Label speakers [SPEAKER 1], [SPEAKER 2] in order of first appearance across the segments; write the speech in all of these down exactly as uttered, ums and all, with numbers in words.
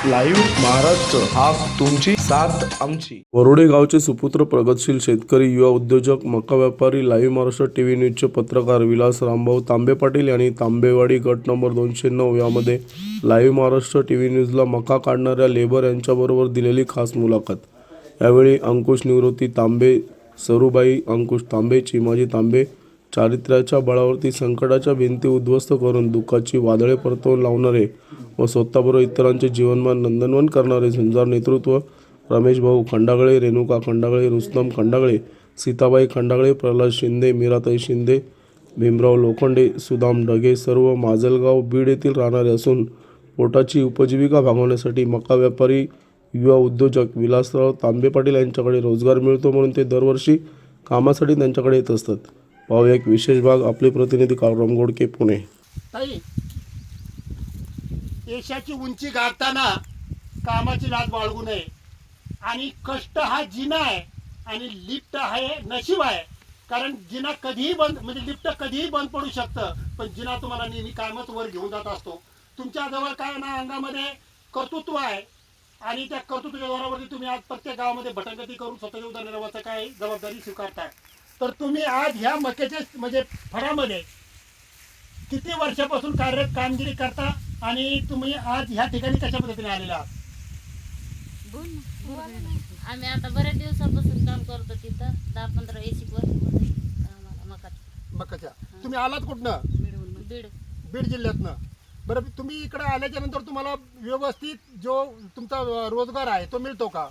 [SPEAKER 1] Live Maharashtra, हा तुमची साथ आमची.
[SPEAKER 2] वरोडे गावचे सुपुत्र प्रगतशील शेतकरी, युवा उद्योजक, मका व्यापारी, लाईव्ह महाराष्ट्र टीव्ही न्यूजचे पत्रकार विलास रामभाऊ तांबे पाटील यांनी तांबेवाडी गट नंबर दोनशे नऊ यामध्ये लाईव्ह महाराष्ट्र टीव्ही न्यूजला मका काढणाऱ्या लेबर यांच्याबरोबर दिलेली खास मुलाखत. यावेळी अंकुश निवृत्ती तांबे, सरूबाई अंकुश तांबे, चिमाजी तांबे चारित्र्याच्या बळावरती संकटाच्या भिंती उद्ध्वस्त करून दुःखाची वादळे परतवून लावणारे व स्वतःबरोबर इतरांचे जीवनमान नंदनवन करणारे झुंजार नेतृत्व रमेश भाऊ खंडागळे, रेणुका खंडागळे, रुस्तम खंडागळे, सीताबाई खंडागळे, प्रल्हाद शिंदे, मीराताई शिंदे, भीमराव लोखंडे, सुदाम ढगे सर्व माजलगाव बीड येथील राहणारे असून पोटाची उपजीविका भागवण्यासाठी मका व्यापारी, युवा उद्योजक विलासराव तांबे पाटील यांच्याकडे रोजगार मिळतो म्हणून ते दरवर्षी कामासाठी त्यांच्याकडे येत असतात. पाहूया एक विशेष भाग. आपले प्रतिनिधी काळराम गोडके, पुणे.
[SPEAKER 3] ताई, यशाची उंची गाठताना कामाची लाज बाळगू नये आणि कष्ट हा जिना आहे आणि लिफ्ट आहे नशीब आहे. कारण जिना कधीही बंद म्हणजे लिफ्ट कधीही बंद पडू शकतं, पण जिना तुम्हाला नेहमी कायमच वर घेऊन जात असतो. तुमच्या जवळ काय ना अंगामध्ये कर्तृत्व आहे आणि त्या कर्तृत्वाच्या जोरावरती तुम्ही आज प्रत्येक गावामध्ये भटकंती करून स्वतःच्या उदरनिर्वाहाचा काय जबाबदारी स्वीकारताय. तर तुम्ही आज ह्या मक्याच्या म्हणजे फळामध्ये किती वर्षापासून कार्य कामगिरी करता आणि तुम्ही आज ह्या ठिकाणी कशा पद्धतीने आलेला आहात?
[SPEAKER 4] आम्ही आता बऱ्याच दिवसापासून काम करतो तिथं, दहा पंधरा एक वर्ष होते आम्हाला मकात
[SPEAKER 3] मकाच्या. तुम्ही आलात कुठनं?
[SPEAKER 4] बीड.
[SPEAKER 3] बीड जिल्ह्यातनं. बरं, तुम्ही इकडे आल्याच्या नंतर तुम्हाला व्यवस्थित जो तुमचा रोजगार आहे तो मिळतो का?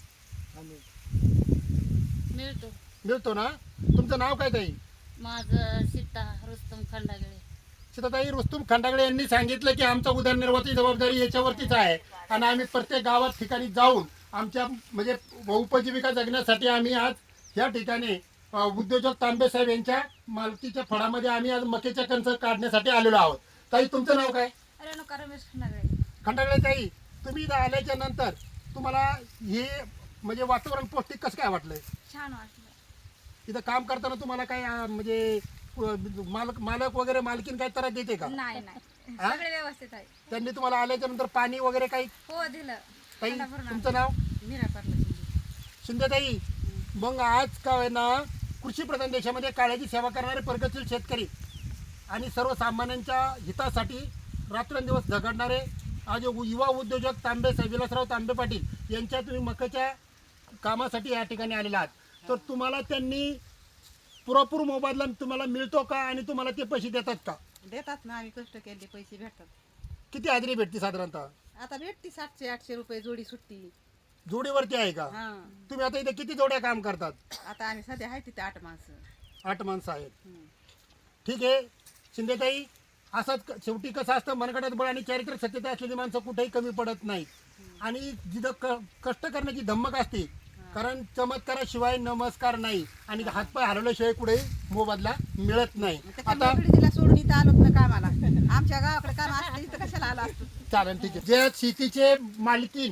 [SPEAKER 4] मिळतो.
[SPEAKER 3] मिळतो ना. तुमचं नाव काय ताई?
[SPEAKER 4] माझं सीता रुस्तम खंडागळे.
[SPEAKER 3] सीताताई रुस्तम खंडागळे यांनी सांगितलं की आमचा उदरनिर्वाहाची जबाबदारी याच्यावरतीच आहे आणि आम्ही प्रत्येक गावात ठिकाणी जाऊन आमच्या म्हणजे उपजीविका जगण्यासाठी आम्ही आज या ठिकाणी उद्योजक तांबे साहेब यांच्या मालकीच्या फळामध्ये आम्ही आज मकेच्या कणस काढण्यासाठी आलेलो आहोत. ताई, तुमचं नाव काय?
[SPEAKER 4] रेणुका रमेश खंडागळे.
[SPEAKER 3] खंडागळे ताई, तुम्ही इथं आल्याच्या नंतर तुम्हाला हे म्हणजे वातावरण पौष्टिक कसं काय वाटलंय?
[SPEAKER 4] छान वाटलं.
[SPEAKER 3] इथं काम करताना तुम्हाला काय अं, म्हणजे मालक मालक वगैरे मालकीन काय त्रास देते का?
[SPEAKER 5] नाही नाही
[SPEAKER 3] हा?
[SPEAKER 5] सगळे व्यवस्थित आहे.
[SPEAKER 3] त्यांनी तुम्हाला आल्याच्या नंतर पाणी वगैरे काही?
[SPEAKER 5] हो दिलं.
[SPEAKER 3] ताई,
[SPEAKER 5] खाना भरून
[SPEAKER 3] तुमचं नाव?
[SPEAKER 5] मीरा पाटला.
[SPEAKER 3] शिंदेताई, मग आज काय ना कृषी प्रधान देशामध्ये काळ्याची सेवा करणारे प्रगतशील शेतकरी आणि सर्वसामान्यांच्या हितासाठी रात्रंदिवस झगडणारे आज युवा उद्योजक तांबे साहेब विलासराव तांबे पाटील यांच्या तुम्ही मकाच्या कामासाठी या ठिकाणी आलेला आहात. तर तुम्हाला त्यांनी पुरेपूर मोबदला तुम्हाला मिळतो का आणि तुम्हाला ते पैसे देतात का?
[SPEAKER 6] देतात ना. आम्ही कष्ट केले पैसे भेटतात.
[SPEAKER 3] किती हाजरी भेटते साधारणतः?
[SPEAKER 6] आता भेटती सातशे आठशे रुपये जोडी सुट्टी.
[SPEAKER 3] जोडीवरती आहे का?
[SPEAKER 6] हा.
[SPEAKER 3] तुम्ही आता इथे किती जोड्या काम करतात?
[SPEAKER 6] आता आम्ही सध्या आहे तिथे आठ माणसं.
[SPEAKER 3] आठ माणसं आहेत. ठीक आहे शिंदेताई, असंच क- शेवटी कसं असतं, मनगटात बळ आणि चारित्र्य सत्यता असलेली माणसं कुठेही कमी पडत नाहीत आणि जिथं क कष्ट करण्याची धमक असते. कारण चमत्काराशिवाय नमस्कार नाही आणि हातपाय हरवल्याशिवाय कुठेही मोबदला मिळत नाही. आता
[SPEAKER 6] तिला सोडून इथं आलोत ना कामाला. आमच्या गावाकडे काम असतं इथं कशाला आला असतो?
[SPEAKER 3] चालेल, ठीक आहे. जे शेतीचे मालकीन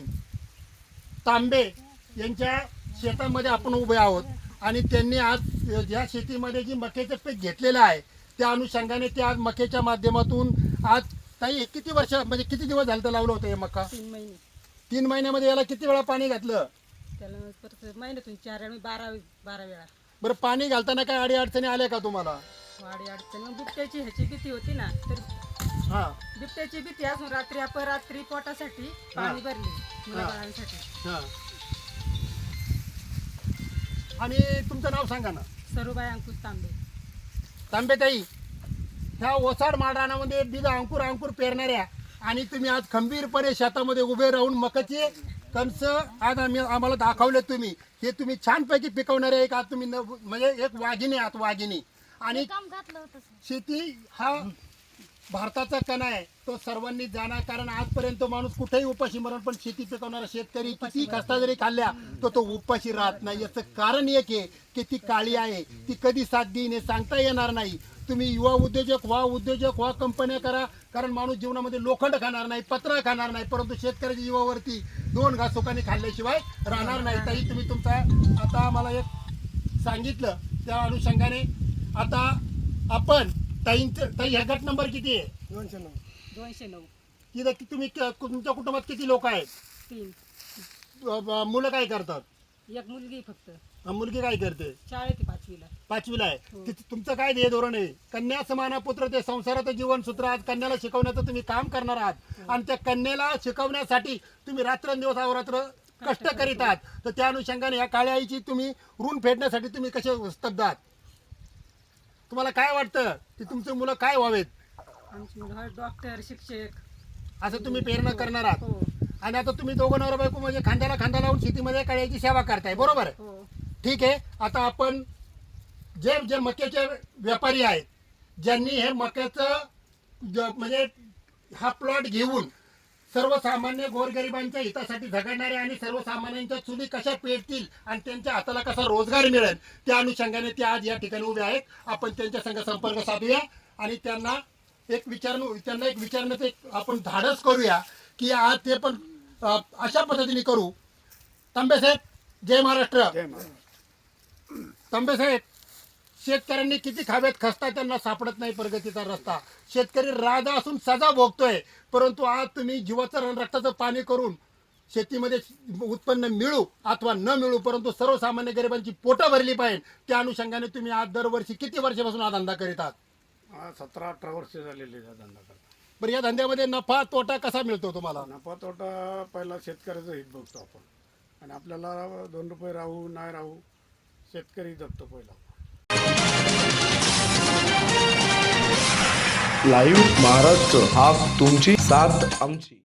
[SPEAKER 3] तांबे यांच्या शेतामध्ये आपण उभे आहोत आणि त्यांनी आज ज्या शेतीमध्ये जी मक्याचं पीक घेतलेलं आहे त्या अनुषंगाने ते आज मक्याच्या माध्यमातून आज ताई किती वर्ष म्हणजे किती दिवस झालं तर लावलं होतं हे मका?
[SPEAKER 6] तीन महिने.
[SPEAKER 3] तीन महिन्यामध्ये याला किती वेळा पाणी घातलं?
[SPEAKER 6] त्याला परत महिन्यातून चार आणि बारा बारा वेळा
[SPEAKER 3] बरं, पाणी घालताना काय अडी अडचणी आल्या का तुम्हाला?
[SPEAKER 6] वाडी अडचणी. बिबट्याची ह्याची भीती होती ना, तर
[SPEAKER 3] हा
[SPEAKER 6] बिबट्याची भीती असून रात्री अपरात्री पोटासाठी पाणी भरली मुलाबाळांसाठी.
[SPEAKER 3] हा. आणि तुमचं नाव सांगा ना?
[SPEAKER 6] सरूबाई अंकुश तांबे.
[SPEAKER 3] तांबेताई, ह्या ओसाड माळरानामध्ये बीज अंकुर अंकुर पेरणाऱ्या आणि तुम्ही आज खंबीरपणे शेतामध्ये उभे राहून मकाचे कणस आज आम्ही आम्हाला दाखवले. तुम्ही हे तुम्ही छानपैकी पिकवणारे एक आज तुम्ही न म्हणजे एक वाघिणी आहात, वाघिणी. आणि
[SPEAKER 4] काम घातलं होतं.
[SPEAKER 3] शेती हा भारताचा कणा आहे, तो सर्वांनी जाणार. कारण आजपर्यंत माणूस कुठेही उपाशी मरण, पण शेती पिकवणारा शेतकरी किती कष्टा जरी खाल्ल्या तो तो उपाशी राहत नाही. याचं कारण एक आहे की ती काळी आहे, ती कधी साथ देईन हे सांगता येणार नाही. तुम्ही युवा उद्योजक व्हा, उद्योजक व्हा, कंपन्या करा. कारण माणूस जीवनामध्ये लोखंड खाणार नाही, पत्र खाणार नाही, परंतु शेतकऱ्याच्या जीवावरती दोन घास सुखाने खाल्ल्याशिवाय राहणार नाही. ताई, तुम्ही तुमचा आता आम्हाला एक सांगितलं त्या अनुषंगाने आता आपण ताईंचं ताई ह्या गट नंबर किती आहे?
[SPEAKER 6] दोनशे नऊ.
[SPEAKER 3] तिथं कि- तुम्ही क- तुमच्या कुटुंबात किती लोक आहेत?
[SPEAKER 6] तीन.
[SPEAKER 3] अ, ब- मुलं काय करतात?
[SPEAKER 6] एक मुलगी फक्त
[SPEAKER 3] अ, मुलगी काय करते?
[SPEAKER 6] शाळेत आहे पाचवीला.
[SPEAKER 3] पाचवीला आहे. ति- तुमचं काय ध्येय धोरण आहे? कन्या समाना पुत्र ते संसाराचं जीवन सूत्र आज कन्याला शिकवण्याचं तुम्ही काम करणार आहात आणि त्या कन्याला शिकवण्यासाठी तुम्ही रात्रंदिवस अहोरात्र कष्ट करीत आहात. तर त्या अनुषंगाने या काळ्या आईची तुम्ही ऋण फेडण्यासाठी तुम्ही कसे स्तब्ध आहात? तुम्हाला काय वाटतं की तुमचे मुलं काय व्हावेत
[SPEAKER 6] आमची मुलं आहेत डॉक्टर, शिक्षक.
[SPEAKER 3] असं तुम्ही प्रेरणा करणार आहात?
[SPEAKER 6] हो
[SPEAKER 3] आणि आता तुम्ही दोघं नवरा बायको म्हणजे खांद्याला खांदा लावून शेतीमध्ये काळ्याची सेवा करताय, बरोबर आहे?
[SPEAKER 6] हो.
[SPEAKER 3] ठीक आहे. आता आपण जे जे मक्याचे व्यापारी आहेत, ज्यांनी हे मक्याचं ज- म्हणजे हा प्लॉट घेऊन सर्वसामान्य गोरगरिबांच्या हितासाठी झगडणारे आणि सर्वसामान्यांच्या चुली कशा पेटतील आणि त्यांच्या हाताला कसा रोजगार मिळेल त्या अनुषंगाने ते आज या ठिकाणी उभे आहेत. आपण त्यांच्या संग संपर्क साधूया आणि त्यांना एक विचारणं त्यांना एक विचारण्याचं एक आपण धाडस करूया की आज ते पण अ, अशा पद्धतीने करू. तांबे साहेब, जय महाराष्ट्र. तांबे साहेब, शेतकऱ्यांनी किती खाव्यात खस्ता त्यांना सापडत नाही प्रगतीचा रस्ता. शेतकरी राजा असून सजा भोगतोय, परंतु आज तुम्ही जीवाचं आणि रक्ताचं पाणी करून शेतीमध्ये उत्पन्न मिळू अथवा न मिळू परंतु सर्वसामान्य गरिबांची पोटं भरली पाहिजे त्या अनुषंगाने तुम्ही आज दरवर्षी किती वर्षापासून हा धंदा करीत आहात?
[SPEAKER 7] हा सतरा अठरा वर्ष झालेली आहे धंदा करता.
[SPEAKER 3] बरं, या धंद्यामध्ये नफा तोटा कसा मिळतो तुम्हाला?
[SPEAKER 7] नफा तोटा पहिला शेतकऱ्याचं हित बघतो आपण आणि आपल्याला दोन रुपये राहू नाही राहू शेतकरी जगतो पहिला.
[SPEAKER 1] लाईव्ह महाराष्ट्र हा तुमची साथ आमची.